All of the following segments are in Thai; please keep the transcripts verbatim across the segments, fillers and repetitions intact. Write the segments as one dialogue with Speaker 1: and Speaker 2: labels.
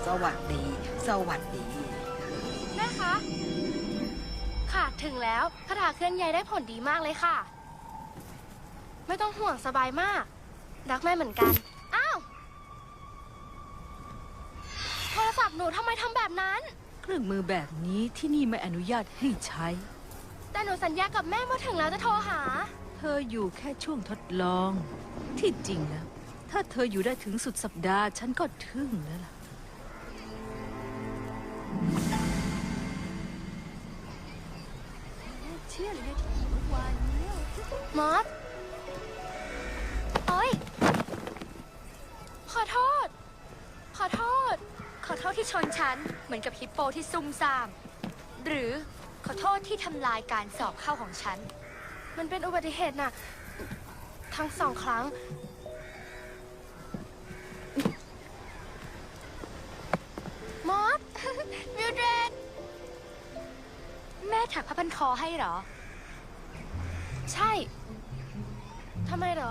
Speaker 1: สวัสดี สวัสดี
Speaker 2: แม่คะค่ะถึงแล้วคาถาเคลื่อนย้ายได้ผลดีมากเลยค่ะ ไม่ต้องห่วงสบายมาก รักแม่เหมือนกัน อ้าว โทรศัพท์หนูทำไมทำแบบนั้น
Speaker 3: เครื่องมือแบบนี้ที่นี่ไม่อนุญาตให้ใช้
Speaker 2: แต่หนูสัญญากับแม่ว่าถึงแล้วจะโทรหา
Speaker 3: เธออยู่แค่ช่วงทดลอง ที่จริงแล้ว ถ้าเธออยู่ได้ถึงสุดสัปดาห์ ฉันก็ทึ่งแล้วล่ะ
Speaker 4: เชื่อเลยนะที่เมื่อวานนี้
Speaker 2: มอสโอ๊ย ขอโทษ ขอโทษ
Speaker 4: ขอโทษที่ชนฉันเหมือนกับฮิปโปที่ซุ่มซ่าม หรือขอโทษที่ทำลายการสอบเข้าของฉัน
Speaker 2: มันเป็นอุบัติเหตุน่ะ ทั้งสองครั้ง มอส มิวเดรด
Speaker 4: แม่ถักผ้าพันคอให้เหรอ
Speaker 2: ใช่ ทำไมเหรอ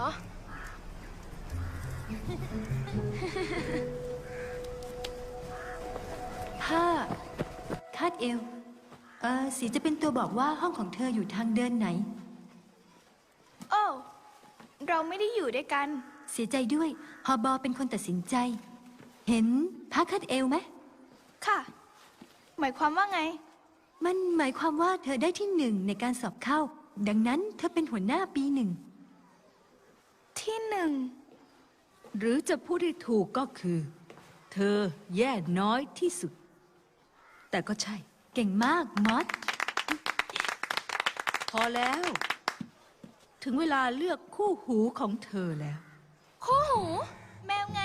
Speaker 5: ผ้าคาดเอว เออสีจะเป็นตัวบอกว่าห้องของเธออยู่ทางเดินไหน
Speaker 6: โอ้เราไม่ได้อยู่ด้วยกัน
Speaker 5: เสียใจด้วยฮอบอเป็นคนตัดสินใจ เห็นผ้าคาดเอวไหม
Speaker 6: ค่ะ หมายความว่าไง
Speaker 5: มันหมายความว่าเธอได้ที่หนึ่งในการสอบเข้า ดังนั้นเธอเป็นหัวหน้าปีหนึ่ง
Speaker 6: ที่หนึ่ง
Speaker 3: หรือจะพูดให้ถูกก็คือ เธอแย่น้อยที่สุด แต่ก็ใช่
Speaker 5: เก่งมากมอส
Speaker 3: พอแล้ว ถึงเวลาเลือกคู่หูของเธอแล้ว
Speaker 2: คู่หู
Speaker 6: แมวไง